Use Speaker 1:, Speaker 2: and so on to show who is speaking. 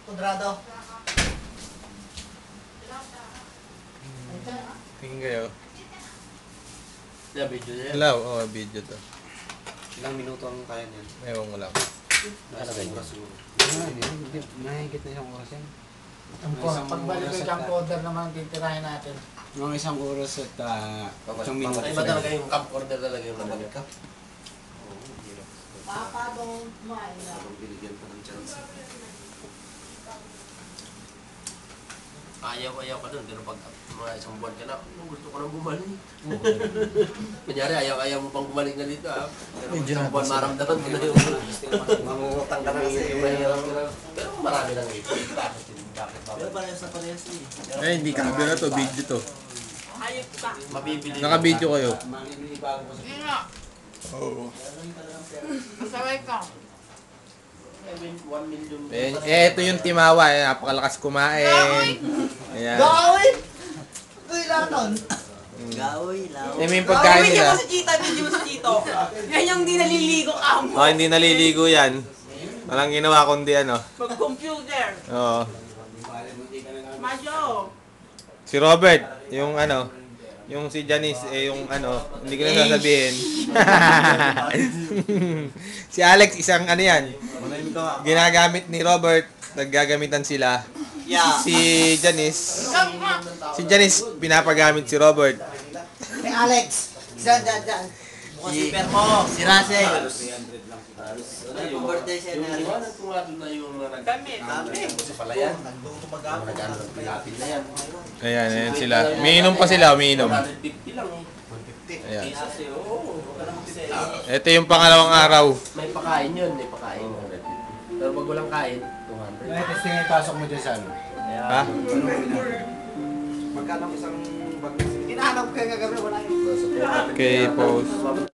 Speaker 1: Kudrado.
Speaker 2: Tingin kayo.
Speaker 3: Yeah, video niya.
Speaker 2: Hello, oh, video to.
Speaker 4: Ilang minuto ang kaya niyan?
Speaker 2: Ewan ko lang.
Speaker 4: Nasa oras siguro.
Speaker 5: Hindi, mahigit na isang oras yan.
Speaker 1: Pagbalik ko yung coder naman titirahin natin.
Speaker 5: Mga isang oras at isang minuto.
Speaker 3: Iba talaga yung camcorder talaga yung nabalik ka.
Speaker 4: Oo, hirap.
Speaker 1: Papabong kumain na.
Speaker 4: Parang binigyan pa ng chance.
Speaker 3: Ayaw ka dun, pero pag mga isang buwan ka na, gusto ko nang bumalik. Kunyari, ayaw mo pang bumalik na dito ha. Pero pag isang buwan maramdaman mo na yung mangungutang ka na kasi yung mahirap. Pero marami lang ito. Bakit?
Speaker 1: Pero parehas na parehas eh.
Speaker 2: Eh, hindi ka na to, video to.
Speaker 6: Ayop ka.
Speaker 3: Mabibili.
Speaker 2: Naka-video kayo.
Speaker 4: Malilibago ko sa...
Speaker 6: Hindi nga.
Speaker 2: Oo.
Speaker 6: Masaway ka.
Speaker 3: 1 million.
Speaker 2: Ito yung Timawa, napakalakas kumain. Ayan.
Speaker 1: Gawin! Uy, laton!
Speaker 4: Gawi, lao.
Speaker 2: Ito yung pagkain
Speaker 6: Video
Speaker 2: nila.
Speaker 6: mo si Chita, video mo si Chito. Yan yung di naliligo ka mo.
Speaker 2: Oh, hindi naliligo yan. Walang ginawa kundi ano.
Speaker 6: Mag-computer.
Speaker 2: Oo.
Speaker 6: Majo.
Speaker 2: Si Robert, yung ano, yung si Janice, yung ano, hindi ko na sasabihin. Si Alex, isang ano yan, ginagamit ni Robert, naggagamitan sila.
Speaker 1: Yeah.
Speaker 2: Si Janice, pinapagamit si Robert.
Speaker 1: Hey Alex! Diyan. Bukas si Permo, si Russell. Yung birthday siya na rin.
Speaker 3: Iwanan ko nga doon na yung mga
Speaker 6: Kami.
Speaker 3: Kasi pala yan. Nag-ano ng pilapil na yan.
Speaker 2: Ayan sila. Umiinom pa sila, umiinom.
Speaker 3: 150 lang eh.
Speaker 2: Ayan.
Speaker 3: Kasi oo.
Speaker 2: Ito yung pangalawang araw.
Speaker 3: May pakain yun, may pakain. Pero pag walang kain, 200.
Speaker 5: Ay, testing yung pasok mo dyan sa ano.
Speaker 2: Ha?
Speaker 4: Magkano isang bag na
Speaker 1: Hinahanap ko yung gagawin, wala yun.
Speaker 2: Okay, pause.